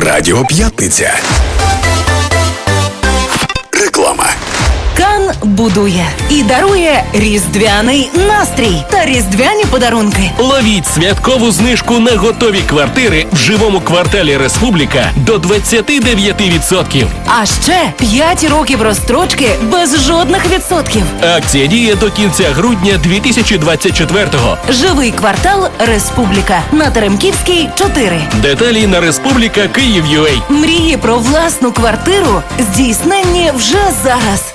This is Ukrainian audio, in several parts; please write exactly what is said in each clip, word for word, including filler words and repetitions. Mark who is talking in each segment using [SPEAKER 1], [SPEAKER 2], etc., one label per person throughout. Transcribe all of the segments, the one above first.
[SPEAKER 1] Радіо П'ятниця. Реклама.
[SPEAKER 2] Кан будує і дарує різдвяний настрій та різдвяні подарунки.
[SPEAKER 3] Ловіть святкову знижку на готові квартири в живому кварталі Республіка до двадцять дев'ять відсотків.
[SPEAKER 2] А ще п'ять років розстрочки без жодних відсотків.
[SPEAKER 3] Акція діє до кінця грудня дві тисячі двадцять четвертого.
[SPEAKER 2] Живий квартал Республіка на Теремківській, чотири.
[SPEAKER 3] Деталі на Республіка Київ.ua.
[SPEAKER 2] Мрії про власну квартиру здійсненні вже зараз.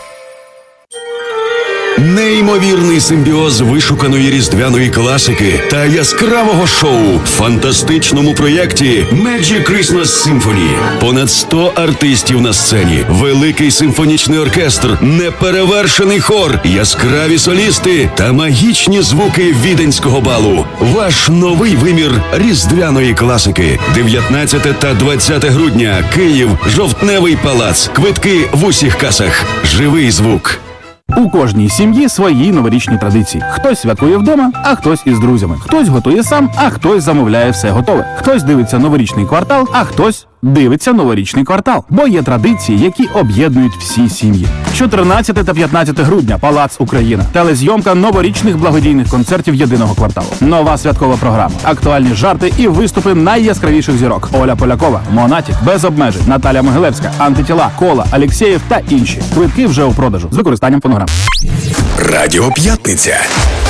[SPEAKER 1] Неймовірний симбіоз вишуканої різдвяної класики та яскравого шоу в фантастичному проєкті Magic Christmas Symphony. Понад сто артистів на сцені, великий симфонічний оркестр, неперевершений хор, яскраві солісти та магічні звуки віденського балу. Ваш новий вимір різдвяної класики. дев'ятнадцяте та двадцяте грудня. Київ, Жовтневий палац. Квитки в усіх касах. Живий звук.
[SPEAKER 4] У кожній сім'ї свої новорічні традиції. Хтось святкує вдома, а хтось із друзями. Хтось готує сам, а хтось замовляє все готове. Хтось дивиться новорічний квартал, а хтось дивиться новорічний квартал. Бо є традиції, які об'єднують всі сім'ї. чотирнадцяте та п'ятнадцяте грудня. Палац Україна. Телезйомка новорічних благодійних концертів єдиного кварталу. Нова святкова програма. Актуальні жарти і виступи найяскравіших зірок. Оля Полякова, Монатік, Без обмежень, Наталя Могилевська, Антитіла, Кола, Алєксєєв та інші. Квитки вже у продажу з використанням фонограм.
[SPEAKER 1] Радіо П'ятниця.